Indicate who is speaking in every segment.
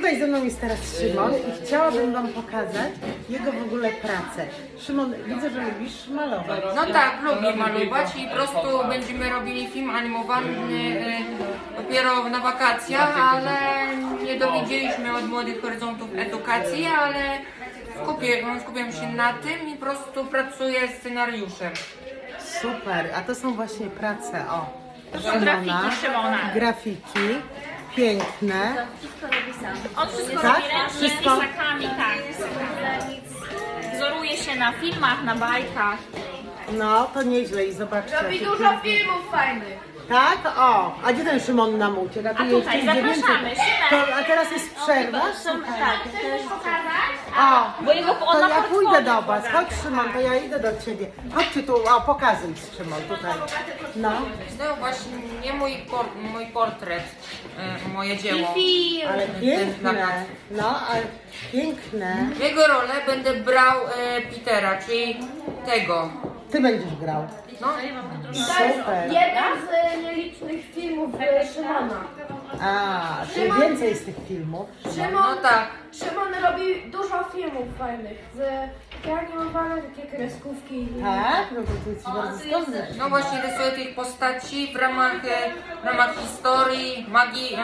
Speaker 1: Tutaj ze mną jest teraz Szymon i chciałabym Wam pokazać jego w ogóle pracę. Szymon, widzę, że lubisz malować.
Speaker 2: No tak, lubię malować i po prostu będziemy robili film animowany dopiero na wakacjach, ale nie dowiedzieliśmy od Młodych Horyzontów edukacji, ale skupiam się na tym i po prostu pracuję scenariuszem.
Speaker 1: Super, a to są właśnie prace, o.
Speaker 3: To są grafiki Szymona.
Speaker 1: Grafiki, piękne.
Speaker 4: Wszystko robi sam.
Speaker 3: On wszystko
Speaker 1: Tak?
Speaker 3: robi ręcznie,
Speaker 1: Wszystko?
Speaker 3: pisakami, tak. Wzoruje się na filmach, na bajkach.
Speaker 1: No, to nieźle i zobaczcie.
Speaker 4: Robi
Speaker 1: jakie
Speaker 4: dużo filmów fajnych.
Speaker 1: Tak? O, a gdzie ten Szymon nam uciekł?
Speaker 3: A tutaj zapraszamy, Szymek.
Speaker 1: A teraz jest przerwa?
Speaker 4: Tak, też pokazać?
Speaker 1: O,
Speaker 3: Bo jego
Speaker 1: to
Speaker 3: on ma
Speaker 1: ja
Speaker 3: portfolio
Speaker 1: pójdę do Was.
Speaker 3: pokaże.
Speaker 1: Chodź Szymon, to ja idę do Ciebie. Chodźcie tu, o pokazuj Szymon tutaj. No.
Speaker 2: To właśnie nie mój portret, moje dzieło.
Speaker 1: Ale
Speaker 2: Ten
Speaker 1: piękne,
Speaker 2: plakat.
Speaker 1: no, ale piękne.
Speaker 2: W jego rolę będę brał Petera, czyli tego.
Speaker 1: Ty będziesz grał.
Speaker 2: No,
Speaker 1: Super.
Speaker 4: Jeden z nielicznych filmów Szymona.
Speaker 1: A, czyli więcej z tych filmów.
Speaker 2: no tak.
Speaker 4: Szymon robi dużo filmów fajnych. Takie animowane, takie kreskówki.
Speaker 1: Tak? No to ty jesteś bardzo zdolny.
Speaker 2: No właśnie rysuję tych postaci w ramach historii, magii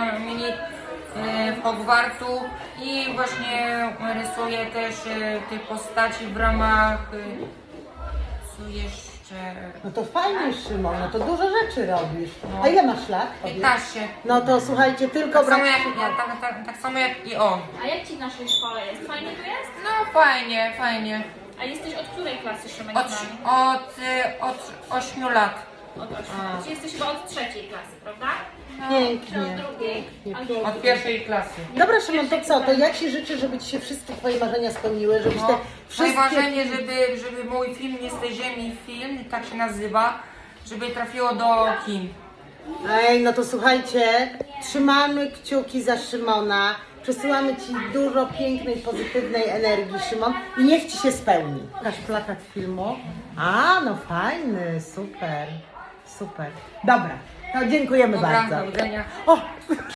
Speaker 2: Hogwartu i właśnie rysuję też tych postaci w ramach co jeszcze
Speaker 1: No to fajnie Szymon, no to dużo rzeczy robisz. A ile masz lat? Powiedz?
Speaker 2: 15.
Speaker 1: No to słuchajcie, tylko
Speaker 2: Tak samo
Speaker 1: brak...
Speaker 2: jak ja, tak samo jak i on.
Speaker 3: A jak ci w naszej szkole jest? Fajnie tu jest?
Speaker 2: No fajnie.
Speaker 3: A jesteś od której klasy, Szymek?
Speaker 2: Od,
Speaker 3: z nami?
Speaker 2: od 8 lat.
Speaker 3: Od 8. Czyli jesteś chyba od trzeciej klasy, prawda?
Speaker 1: Pięknie,
Speaker 3: drugiej.
Speaker 1: pięknie.
Speaker 2: Od pierwszej klasy.
Speaker 1: Dobra Szymon, to co? To ja Ci życzę, żeby Ci się wszystkie Twoje marzenia spełniły, żebyś te
Speaker 2: Moje
Speaker 1: wszystkie...
Speaker 2: marzenie, żeby mój film Nie z tej ziemi film, tak się nazywa, żeby trafiło do kin.
Speaker 1: Ej, no to słuchajcie, trzymamy kciuki za Szymona, przesyłamy Ci dużo pięknej, pozytywnej energii, Szymon, i niech Ci się spełni. Pokaż plakat filmu. A, no fajny, super, super. Dobra, to dziękujemy
Speaker 2: Dobra,
Speaker 1: bardzo.
Speaker 2: do widzenia.
Speaker 1: O!